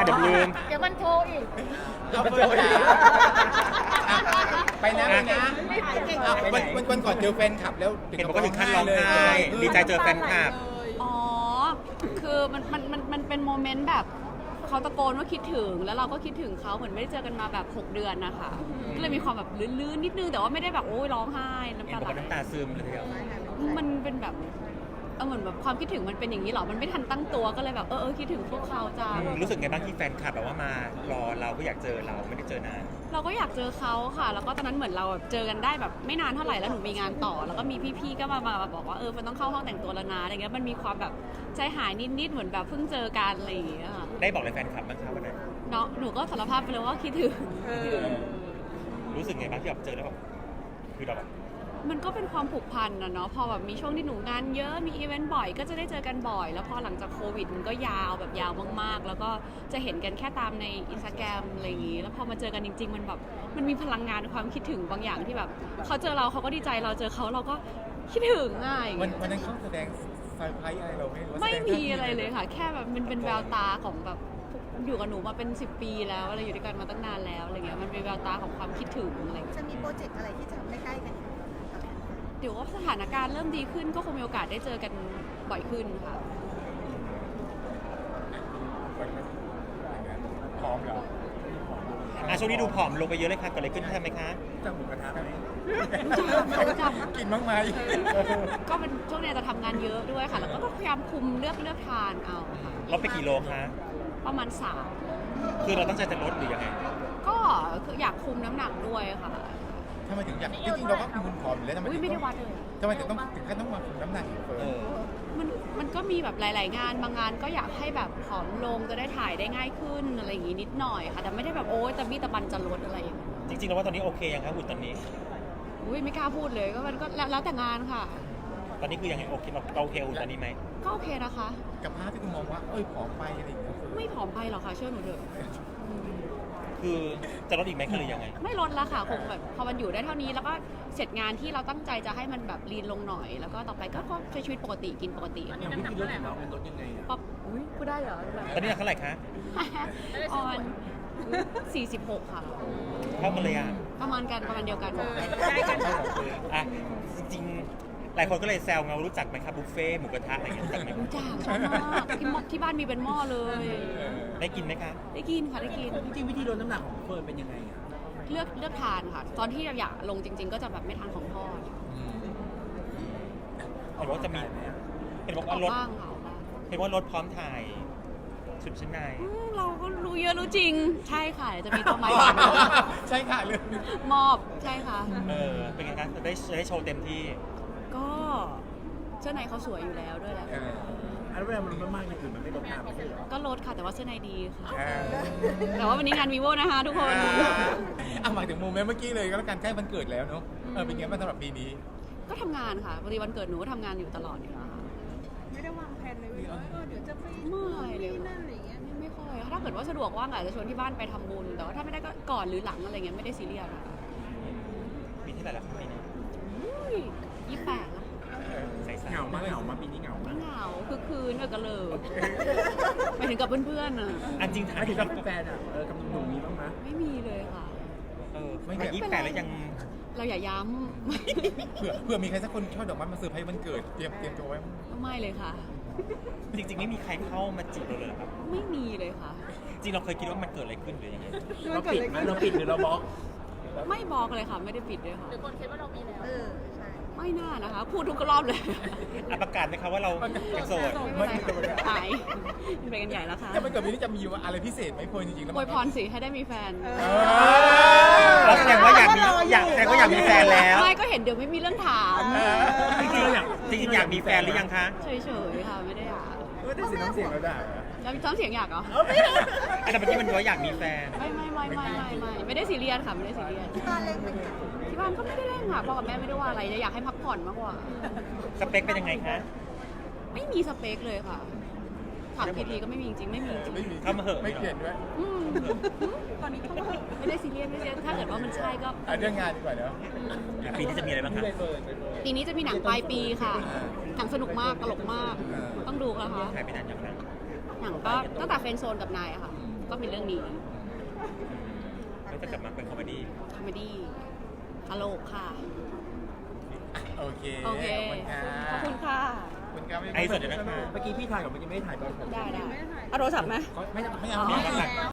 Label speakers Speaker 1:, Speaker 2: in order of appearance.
Speaker 1: เดี๋ยวลืม
Speaker 2: เดี๋ยวมันโทรอีก
Speaker 3: เอาเฟิร์นจ๋าไปนะวันก่อนเจอแฟนคลับแล้ว
Speaker 1: เห็นบอกว่าถึงขั้นร้องไห้ดีใจเจอแฟนคลับ
Speaker 4: อ๋อ คือมันเป็นโมเมนต์แบบเขาตะโกนว่าคิดถึงแล้วเราก็คิดถึงเขาเหมือนไม่ได้เจอกันมาแบบ6 เดือนนะคะก็เลยมีความแบบลื่นๆนิดนึงแต่ว่าไม่ได้แบบโอ้ยร้องไห้น้ำ
Speaker 1: เห็น
Speaker 4: ตา
Speaker 1: บอก
Speaker 4: ไหล
Speaker 1: ว่าน้ำตาซึมเลยทีเดียว
Speaker 4: มันเป็นแบบเหมือนแบบความคิดถึงมันเป็นอย่างนี้เหรอมันไม่ทันตั้งตัวก็เลยแบบคิดถึงพวกเขาจัง
Speaker 1: รู้สึกไงบ้างที่แฟนคลับแบบว่ามารอเราก็อยากเจอเราไม่ได้เจอนาน
Speaker 4: เราก็อยากเจอเขาค่ะ แล้วก็ตอนนั้นเหมือนเราเจอกันได้แบบไม่นานเท่าไหร่แล้วหนูมีงานต่อ แล้วก็มีพี่ๆก็มาบอกว่ามันต้องเข้าห้องแต่งตัวแล้วนะอะไรเงี้ยมันมีความแบบใจหายนิดๆเหมือนแบบเพิ่งเจอกันอะไรอย่างเงี้ยค่ะ
Speaker 1: ได้บอกอะไรแฟนคลับบ้างครับวันนั้น
Speaker 4: เนาะหนูก็สารภาพไปเลยว่าคิดถึง
Speaker 1: รู้สึกไงบ้างที่แบบเจอแล้วแบบคือเราแบบ
Speaker 4: มันก็เป็นความผูกพันนะเนาะพอแบบมีช่วงที่หนูงานเยอะมีอีเวนต์บ่อยก็จะได้เจอกันบ่อย แล้วพอหลังจากโควิดมันก็ยาวแบบยาวมากๆ แล้วก็จะเห็นกันแค่ตามในอินสตาแกรมอะไรอย่างงี้แล้วพอมาเจอกันจริงๆมันแบบมันมีพลังงานความคิดถึงบางอย่างที่แบบเขาเจอเราเขาก็ดีใจเราเจอเขาเราก็คิดถึงง่าย
Speaker 3: วันนั้นเขาแสดงเซอร์ไพรส์อะไรเราไม่รู้
Speaker 4: ไม่มีอะไรเลยค่ะ แค่แบบมันเป็นแววตาของแบบอยู่กับหนูมาเป็น10 ปีแล้วอะไรอยู่ด้วยกันมาตั้งนานแล้วอะไรเงี้ยมันเป็นแววตาของความคิดถึงอะไรเงี้ย
Speaker 2: จะมีโปรเจกต์อะไรที่จะทำใกล้ๆกันอีก
Speaker 4: เดี๋ยวว่าสถานการณ์เริ่มดีขึ้นก็คงมีโอกาสได้เจอกันบ่อยขึ้นค่ะ
Speaker 3: พร้อมเหรอ
Speaker 1: ช่วงนี้ดูผอมลงไปเยอะเลยค่ะเกิดอะไรขึ้นใช่ไหมคะ
Speaker 3: จับหมูกระทะไหม
Speaker 4: รู้จัก
Speaker 3: กินบ้างไหม
Speaker 4: ก็เป็นช่วงนี้จะทำงานเยอะด้วยค่ะ แล้วก็พยายามคุมเลือกทานเอาค่ะ
Speaker 1: ลดไปกี่โลคะ
Speaker 4: ประมาณ
Speaker 1: คือเราตั้งใจจะลดหรือยังไง
Speaker 4: 3ก็คืออยากคุมน้ำหนักด้วยค่ะ
Speaker 3: ทำไมถึงอยากจริงๆเราก็เป็นคนผอมอยู่แล้วทำไม
Speaker 4: อุ้ย
Speaker 3: ถึง
Speaker 4: ไม่ได้
Speaker 3: ต้อง
Speaker 4: วัดเลย
Speaker 3: ทำไมถึงขั้นต้องมาคุมน้ำหนักอีกเฟิร์น
Speaker 4: มันก็มีแบบหลาย ๆ งานบางงานก็อยากให้แบบผอมลงจะได้ถ่ายได้ง่ายขึ้นอะไรอย่างงี้นิดหน่อยค่ะ แต่ไม่ได้แบบโอ๊ยตะบี้ตะบันจะลดอะไรอย่างเงี้ย
Speaker 1: จริงๆแล้วว่าตอนนี้โอเคยังครับหุ่นตอนนี้
Speaker 4: อุ้ยไม่กล้าพูดเลยก็มันก็แล้วแต่งานค่ะ
Speaker 1: ตอนนี้คือยังไงโอเคเราโอเคหุ่นตอนนี้ไหม
Speaker 4: ก็โอเคนะคะ
Speaker 3: กับภาพที่คุณมองว่าผอมไปอะไรอย่างเงี้ย
Speaker 4: ไม่ผอมไปหรอกค่ะเชื่อหนูเถอะ
Speaker 1: คือจะลดอีกไหมคะหรือยังไง
Speaker 4: ไม่ลดละค่ะคงแบบพอมันอยู่ได้เท่านี้แล้วก็เสร็จงานที่เราตั้งใจจะให้มันแบบลีนลงหน่อย แล้วก็ต่อไปก็ใช้ชีวิตปกติกินปกติ
Speaker 2: น้ำหนักเท่าไหร่คะ
Speaker 4: ป๊อปอุ้ยพูดได้เหรอ
Speaker 1: ตอนนี้เท่าไหร่คะ
Speaker 4: ออน46 ค่ะ
Speaker 1: เท่ากันเลยอ่ะ
Speaker 4: ประมาณเดียวกัน
Speaker 2: ได้กันค่ะ
Speaker 1: อ่ะจริงๆหลายคนก็เลยแซวไงว่ารู้จักไหมครับบุฟเฟ่ต์หมูกระทะอะไรอย่างเงี้ยรู้จักไหม
Speaker 4: รู้จักชอบมากที่บ้านมีเป็นหม้อเลย
Speaker 1: ได้กินไหมคะ
Speaker 4: ได้กินค่ะได้กิน
Speaker 5: จริงๆวิธีลดน้ำหนักของเฟิร์นเป็นยังไงอ่ะ
Speaker 4: เลือกทานค่ะ ตอนที่อยากลงจริง ๆ ก็จะแบบไม่ทานของทอด
Speaker 1: เห็นว่าจะมีเห็นบอก
Speaker 4: อ
Speaker 1: ว่า
Speaker 4: อก
Speaker 1: ลด
Speaker 4: บ้างค่ะออกบ้าง
Speaker 1: เห็นว่ารถพร้อมถ่ายชุดชั้นใน
Speaker 4: เราก็รู้เยอะรู้จริง ใช่ค่ะเดี๋ยวจะมีตัวใหม่
Speaker 3: ใช่ค่ะเลย
Speaker 4: มอบใช่ค่ะ
Speaker 1: เป็นไงคะจะได้โชว์เต็มที่
Speaker 4: ก็เสื้อในเขาสวยอยู่แล้วด้วยแหละ
Speaker 5: อันเวลามันลดมากๆอย่างอื่นมันไม่ลดตามไม่ใช่เหรอ
Speaker 4: ก็ลดค่ะแต่ว่าเสื้อในดีค่ะ แต่ว่าวันนี้งานวีโวนะคะทุกคน
Speaker 3: หมายถึงโมเมนต์เมื่อกี้เลยก็แล้วกันใกล้วันเกิดแล้วเนาะเป็นไงบ้างสำหรับปีนี้
Speaker 4: ก็ทำงานค่ะพอดีวันเกิดหนูก็ทำงานอยู่ตลอดอยู่แล้วค่ะ
Speaker 2: ไม่ได้วางแผนเลยว่าเดี๋ยวจะไป
Speaker 4: ไม่เลย
Speaker 2: นี่นั่นอะไรอย่างเงี้ย
Speaker 4: ไม่ค่อยถ้าเกิดว่าสะดวกว่างอาจจะชวนที่บ้านไปทำบุญ แต่ว่าถ้าไม่ได้ก็ก่อนหรือหลังอะไรเงี้ยไม่ได้ซีเรียสค่ะ
Speaker 1: มีที่ไหนล่ะครับปีนี้
Speaker 4: 28แล้ว
Speaker 1: ใส่
Speaker 5: เหงามากเหงามาปีนี้เหงา
Speaker 4: ไม่
Speaker 5: มาก
Speaker 4: เหงาคือคืนกับเลิกไปถึงกับเพื่อนๆอ่ะ
Speaker 1: อันจริงถ่า
Speaker 5: ไม่
Speaker 1: ย
Speaker 5: ถึงกับแฟนอ่ะกับหนุ่มๆมีบ้างไหม
Speaker 4: ไม่มีเลยค่ะ
Speaker 1: ไม่28แล้วยัง
Speaker 4: เราอย่าย้
Speaker 3: เผื่อมีใครสักคนชอบดอกไม้มาเซอร์ไพรส์วันเกิดเตรียมตัวไว้
Speaker 4: ำไม่เลยค่ะ
Speaker 1: จริงๆไม่มีใครเข้ามาจีบเราเลยเหรอครับ
Speaker 4: ไม่มีเลยค่ะ
Speaker 1: จริงเราเคยคิดว่ามันเกิดอะไรขึ้นหรือยังไง
Speaker 5: เราปิดไหมเราปิดหรือเราบล็อก
Speaker 4: ไม่บอกเลยค่ะ ไม่ได้ปิดด้วยค่ะ
Speaker 2: หรือคนคิดว่าเรามีแล้วใช่
Speaker 4: ไม่น่านะคะ พูดทุกรอบเลย
Speaker 1: ประกาศไหมครับว่าเรายังโสด
Speaker 4: ไม่เป็นไรค่ะหายเป็นกันใหญ่แล้วค่ะ
Speaker 3: ถ้าวันเกิดปีนี้จะมีอะไรพิเศษไหมเฟิร์นจริงๆแล้ว
Speaker 4: อวยพรสิให้ได้มีแฟน
Speaker 1: เราแสดงว่าแสดงว่าอยากมีแฟนแล้ว
Speaker 4: ไม่ก็เห็นเดี๋ยวไม่มีเรื่องถาม
Speaker 5: จริงๆเราอยาก
Speaker 1: จริงๆอยากมีแฟนหรือยังคะ
Speaker 4: เฉยๆค่ะไม่ได้อยาก
Speaker 5: ไม่ได้เสียน้ำเสียงเราได้
Speaker 4: แล้วมีซ้อมเสียงอยากเหรอ
Speaker 1: แต่เมื่อกี้มันว่าอยากมีแฟน
Speaker 4: ไม่ได้ซีเรียสค่ะไม่ได้ซีเรียส
Speaker 2: ที่บ้านเล็กไหมคะ
Speaker 4: ที่บ้านก็ไม่ได้เล่นค่ะพ่อกับแม่ไม่ได้ว่าอะไรเลยอยากให้พักผ่อนมากกว่า
Speaker 1: สเปคเป็นยังไงคะ
Speaker 4: ไม่มีสเปคเลยค่ะถามกี่ทีก็ไม่มีจริงๆไม่มีจริง
Speaker 3: ไม่มี
Speaker 1: เข้ามาเหอะ
Speaker 3: ไม่เปลี่ยนด้วย
Speaker 4: อืมตอนนี้ก็ไม่ได้ซีเรียสถ้าเกิดว่ามันใช่ก็
Speaker 3: เรื่องงานดีกว่าเนาะ
Speaker 1: ปีนี้จะมีอะไรบ้างคะ
Speaker 4: ปีนี้จะมีหนังปลายปีค่ะ หนังสนุกมากตลกมาก ต้องดูนะคะ
Speaker 1: ถ่ายไปนานอย่างนั้น
Speaker 4: หนังก็ตั้งแต่เฟรนด์โซนกับนายอะค่ะ ก็ต้องเป็นเรื่องนี้
Speaker 1: ก็จะกลับมาเป็นคอมเมดี้
Speaker 4: คอมเมดี้ตลกค่ะ
Speaker 3: โอเค
Speaker 4: โอเค
Speaker 3: ขอบคุณค่ะ
Speaker 4: ขอบคุณค่ะ
Speaker 3: ขอบคุณครับ
Speaker 1: ไอ้สดอยู่นะคะ
Speaker 5: เมื่อกี้พี่ถ่ายกับเมื่อกี้ไม่ได้ถ่ายตอนผม
Speaker 4: ได้
Speaker 2: ไม่ได้ถ่าย
Speaker 4: เอาโทรศัพท์ไหม
Speaker 3: ไม่เอา
Speaker 4: อ๋อ
Speaker 3: ไม่เอา